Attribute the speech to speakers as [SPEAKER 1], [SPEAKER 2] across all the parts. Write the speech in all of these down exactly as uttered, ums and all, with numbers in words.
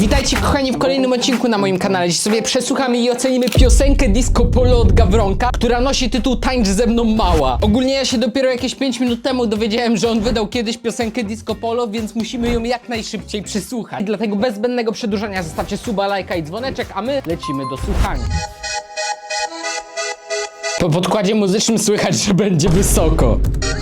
[SPEAKER 1] Witajcie kochani w kolejnym odcinku na moim kanale. Dziś sobie przesłuchamy i ocenimy piosenkę Disco Polo od Gawronka, która nosi tytuł Tańcz ze mną mała. Ogólnie ja się dopiero jakieś pięć minut temu dowiedziałem, że on wydał kiedyś piosenkę Disco Polo, więc musimy ją jak najszybciej przesłuchać. Dlatego bez zbędnego przedłużania zostawcie suba, lajka i dzwoneczek, a my lecimy do słuchania. Po podkładzie muzycznym słychać, że będzie wysoko.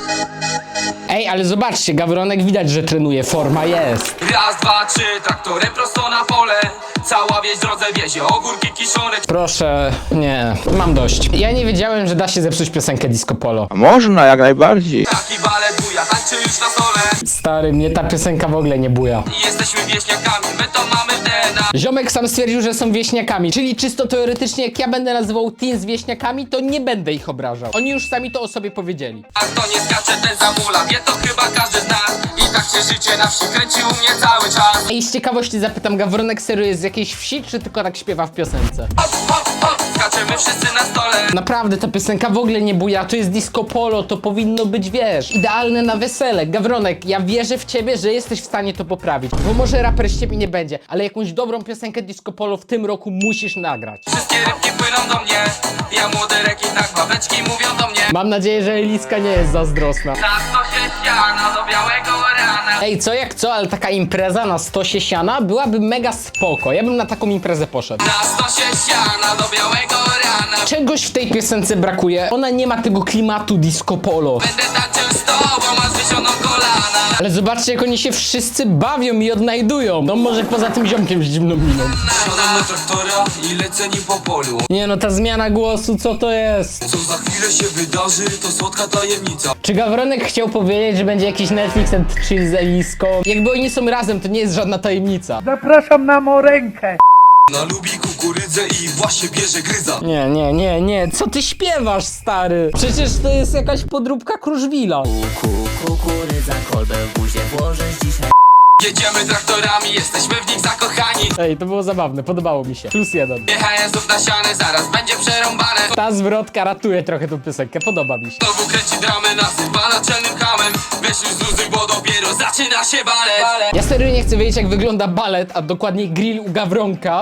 [SPEAKER 1] Ej, ale zobaczcie, Gawronek widać, że trenuje, forma jest.
[SPEAKER 2] Raz, dwa, trzy, traktorem prosto na pole. Cała wieś w drodze wiezie, ogórki kiszone.
[SPEAKER 1] Proszę, nie, mam dość. Ja nie wiedziałem, że da się zepsuć piosenkę Disco Polo.
[SPEAKER 3] A można, jak najbardziej.
[SPEAKER 2] Taki balet buja, tańczy już na stole.
[SPEAKER 1] Stary, mnie ta piosenka w ogóle nie buja.
[SPEAKER 2] I jesteśmy wieśniakami, my to mamy w D N A.
[SPEAKER 1] Ziomek sam stwierdził, że są wieśniakami, czyli czysto teoretycznie jak ja będę nazywał teen z wieśniakami, to nie będę ich obrażał. Oni już sami to o sobie powiedzieli.
[SPEAKER 2] A kto nie skacze, ten zamula, wie to chyba każdy z nas. I tak się życie na wsi kręci u mnie cały czas.
[SPEAKER 1] I z ciekawości zapytam, Gawronek serio jest z jakiejś wsi, czy tylko tak śpiewa w piosence?
[SPEAKER 2] Hop, hop, hop, skaczemy wszyscy na stole.
[SPEAKER 1] Naprawdę, ta piosenka w ogóle nie buja, to jest Disco Polo, to powinno być, wiesz, idealne na wesele. Gawronek, ja wierzę w ciebie, że jesteś w stanie to poprawić, bo może raper z ciebie nie będzie, ale jakąś dobrą piosenkę Disco Polo w tym roku musisz nagrać.
[SPEAKER 2] Wszystkie rybki płyną do mnie. Ja młody rekin, tak babeczki mówią do mnie.
[SPEAKER 1] Mam nadzieję, że Eliska nie jest zazdrosna.
[SPEAKER 2] Na stosie siana do białego rana.
[SPEAKER 1] Ej, co jak co, ale taka impreza na stosie siana byłaby mega spoko. Ja bym na taką imprezę poszedł.
[SPEAKER 2] Na stosie siana do białego rana.
[SPEAKER 1] Czegoś w tej piosence brakuje. Ona nie ma tego klimatu Disco Polo.
[SPEAKER 2] Będę tańczył z tobą, a zwysioną kolana.
[SPEAKER 1] Ale zobaczcie, jak oni się wszyscy bawią i odnajdują. No może poza tym ziomkiem z dziwną miną.
[SPEAKER 2] Siadam na traktora i lecę nim po polu.
[SPEAKER 1] Nie no, ta zmiana głosu, co to jest?
[SPEAKER 2] Co za chwilę się wydarzy, to słodka tajemnica.
[SPEAKER 1] Czy Gawronek chciał powiedzieć, że będzie jakiś Netflix and chill z Eliską? Jakby oni są razem, to nie jest żadna tajemnica.
[SPEAKER 4] Zapraszam na morękę.
[SPEAKER 2] Ona lubi kukurydzę i właśnie bierze gryza.
[SPEAKER 1] Nie, nie, nie, nie, co ty śpiewasz, stary? Przecież to jest jakaś podróbka Kruszwila.
[SPEAKER 5] Kuku, kukurydza, kolbę w buzie włożysz dzisiaj.
[SPEAKER 2] Jedziemy traktorami, jesteśmy w nich zakochani.
[SPEAKER 1] Ej, to było zabawne, podobało mi się. Plus jeden.
[SPEAKER 2] Jechałem znów na sianę, zaraz będzie przerąbane.
[SPEAKER 1] Ta zwrotka ratuje trochę tą piosenkę, podoba mi się.
[SPEAKER 2] Znowu kręci dramę, nasypa naczelnym hamem. Weź już zluzuj, bo dopiero zaczyna się balet.
[SPEAKER 1] Ja serio nie chcę wiedzieć, jak wygląda balet, a dokładnie grill u Gawronka.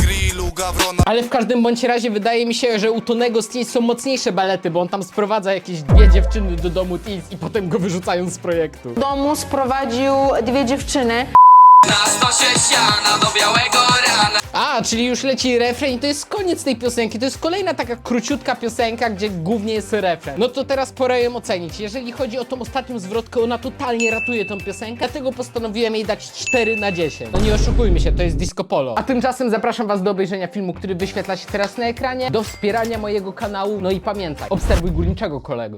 [SPEAKER 1] Ale w każdym bądź razie wydaje mi się, że u Tonego z Teens są mocniejsze balety, bo on tam sprowadza jakieś dwie dziewczyny do domu Teens i potem go wyrzucają z projektu.
[SPEAKER 6] W domu sprowadził dwie dziewczyny.
[SPEAKER 2] Na stosie siana do białego rana.
[SPEAKER 1] A, czyli już leci refren i to jest koniec tej piosenki. To jest kolejna taka króciutka piosenka, gdzie głównie jest refren. No to teraz pora ją ocenić. Jeżeli chodzi o tą ostatnią zwrotkę, ona totalnie ratuje tą piosenkę, dlatego postanowiłem jej dać cztery na dziesięć. No nie oszukujmy się, to jest Disco Polo. A tymczasem zapraszam was do obejrzenia filmu, który wyświetla się teraz na ekranie, do wspierania mojego kanału, no i pamiętaj, obserwuj górniczego kolego.